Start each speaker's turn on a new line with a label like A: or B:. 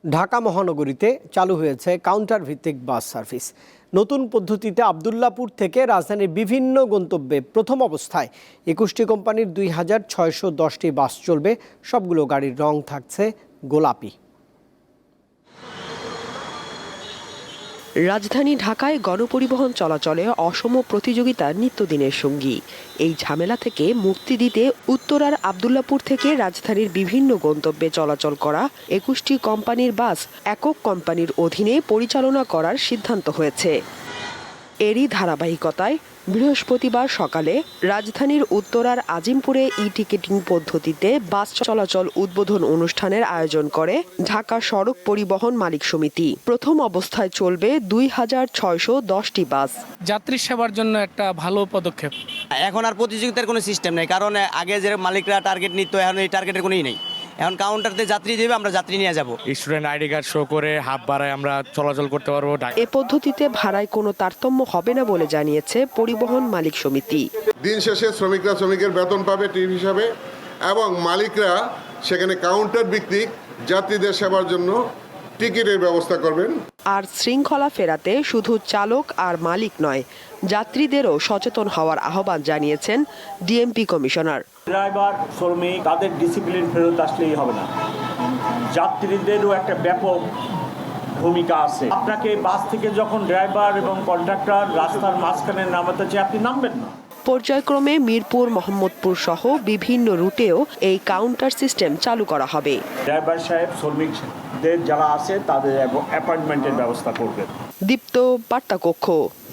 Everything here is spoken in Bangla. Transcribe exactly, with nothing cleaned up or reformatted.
A: ঢাকা মহানগরীতে চালু হয়েছে কাউন্টার ভিত্তিক বাস সার্ভিস। নতুন পদ্ধতিতে আবদুল্লাপুর থেকে রাজধানীর বিভিন্ন গন্তব্যে প্রথম অবস্থায় একুশটি কোম্পানির দুই হাজার ছয়শো দশটি বাস চলবে। সবগুলো গাড়ির রং থাকছে গোলাপি।
B: রাজধানী ঢাকায় গণপরিবহন চলাচলে অসম প্রতিযোগিতা নিত্যদিনের সঙ্গী। এই ঝামেলা থেকে মুক্তি দিতে উত্তরার আবদুল্লাপুর থেকে রাজধানীর বিভিন্ন গন্তব্যে চলাচল করা একুশটি কোম্পানির বাস একক কোম্পানির অধীনে পরিচালনা করার সিদ্ধান্ত হয়েছে। এরই ধারাবাহিকতায় বৃহস্পতিবার সকালে রাজধানীর উত্তরার আজিমপুরে ই টিকেটিং পদ্ধতিতে বাস চলাচল উদ্বোধন অনুষ্ঠানের আয়োজন করে ঢাকা সড়ক পরিবহন মালিক সমিতি। প্রথম অবস্থায় চলবে দুই হাজার ছয়শো দশটি বাস।
C: যাত্রী সেবার জন্য একটা ভালো পদক্ষেপ।
D: এখন আর প্রতিযোগিতার কোনো সিস্টেম নেই, কারণ আগে যে মালিকরা টার্গেট নিত, এখন এই টার্গেটের কোনোই নেই। এখন কাউন্টারতে যাত্রী দেবে, আমরা যাত্রী নিয়ে যাব।
E: স্টুডেন্ট আইডি কার্ড শো করে হাফ ভাড়ায় আমরা চলাচল করতে পারবো।
B: এ পদ্ধতিতে ভাড়ায় কোনো তারতম্য হবে না বলে জানিয়েছে পরিবহন মালিক সমিতি।
F: দিন শেষে শ্রমিকরা শ্রমিকের বেতন পাবে টিপ হিসাবে, এবং মালিকরা সেখানে কাউন্টার ভিত্তিক যাত্রীদের সেবার জন্য টিকিটের ব্যবস্থা করবেন।
B: আর শৃঙ্খলা ফেরাতে শুধু চালক আর মালিক নয়, যাত্রীদেরও সচেতন হওয়ার আহ্বান জানিয়েছেন ডিএমপি কমিশনার।
G: ড্রাইভার শ্রমিক তাদের ডিসিপ্লিন ফেরত আসলেই হবে না, যাত্রীদেরও একটা ব্যাপক ভূমিকা আছে। আপনাকে বাস থেকে যখন ড্রাইভার এবং কন্ডাক্টর রাস্তার মাঝখানে নামাতে চায়, আপনি নামবেন না।
B: পর্যায়ক্রমে মিরপুর, মোহাম্মদপুর সহ বিভিন্ন রুটেও এই কাউন্টার সিস্টেম চালু করা হবে।
G: ড্রাইভার সাহেব শ্রমিকদের যারা আছে তাদের অ্যাপয়েন্টমেন্টের ব্যবস্থা করবেন।
B: দীপ্ত বার্তা কক্ষ।